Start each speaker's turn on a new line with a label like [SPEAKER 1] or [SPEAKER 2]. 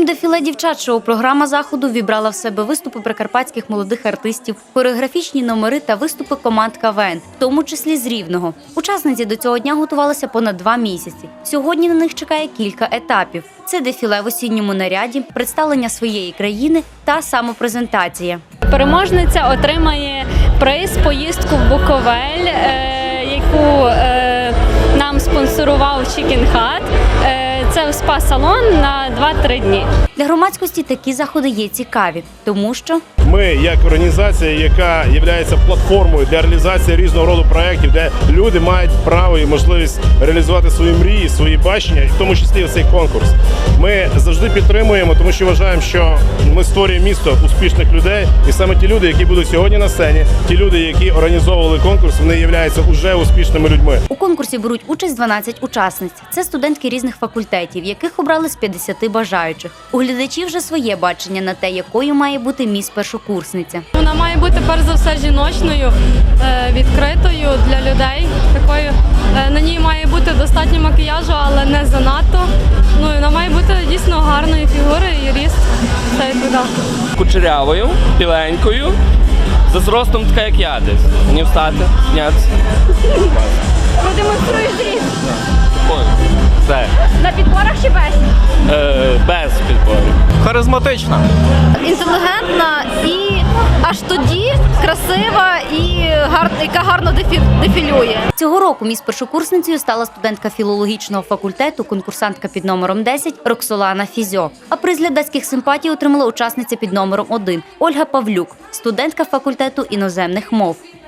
[SPEAKER 1] Окрім дефіле дівчат-шоу, програма заходу вібрала в себе виступи прикарпатських молодих артистів, хореографічні номери та виступи команд КВН, в тому числі з Рівного. Учасниці до цього дня готувалися понад 2 місяці. Сьогодні на них чекає кілька етапів. Це дефіле в осінньому наряді, представлення своєї країни та самопрезентація.
[SPEAKER 2] Переможниця отримає приз поїздку в Буковель, яку нам спонсорував Chicken Hut. Це спа-салон на 2-3 дні.
[SPEAKER 1] Для громадськості такі заходи є цікаві, тому що
[SPEAKER 3] ми, як організація, яка є платформою для реалізації різного роду проєктів, де люди мають право і можливість реалізувати свої мрії, свої бачення, в тому числі цей конкурс. Ми завжди підтримуємо, тому що вважаємо, що ми створюємо місто успішних людей, і саме ті люди, які будуть сьогодні на сцені, ті люди, які організовували конкурс, вони являються уже успішними людьми.
[SPEAKER 1] у конкурсі беруть участь 12 учасниць. Це студентки різних факультетів, яких обрали з 50 бажаючих. У глядачів вже своє бачення на те, якою має бути міс-першокурсниця.
[SPEAKER 2] Вона має бути перш за все жіночною, відкритою для людей. Такою на ній має бути достатньо макіяжу, але не занадто. Ну і вона має бути дійсно гарної фігури і ріст. Все відповідає.
[SPEAKER 4] Кучерявою, біленькою, за зростом така, як я десь. Мені встати, знятися.
[SPEAKER 2] Продемонструєш зріст.
[SPEAKER 4] Ой, все.
[SPEAKER 2] На підборах чи без?
[SPEAKER 4] Без підборів.
[SPEAKER 5] Харизматична.
[SPEAKER 6] Інтелігентна і аж тоді красива і яка гарно дефілює.
[SPEAKER 1] Цього року міс-першокурсницею стала студентка філологічного факультету, конкурсантка під номером 10 Роксолана Фізьо. А приз глядацьких симпатій отримала учасниця під номером 1 Ольга Павлюк, студентка факультету іноземних мов.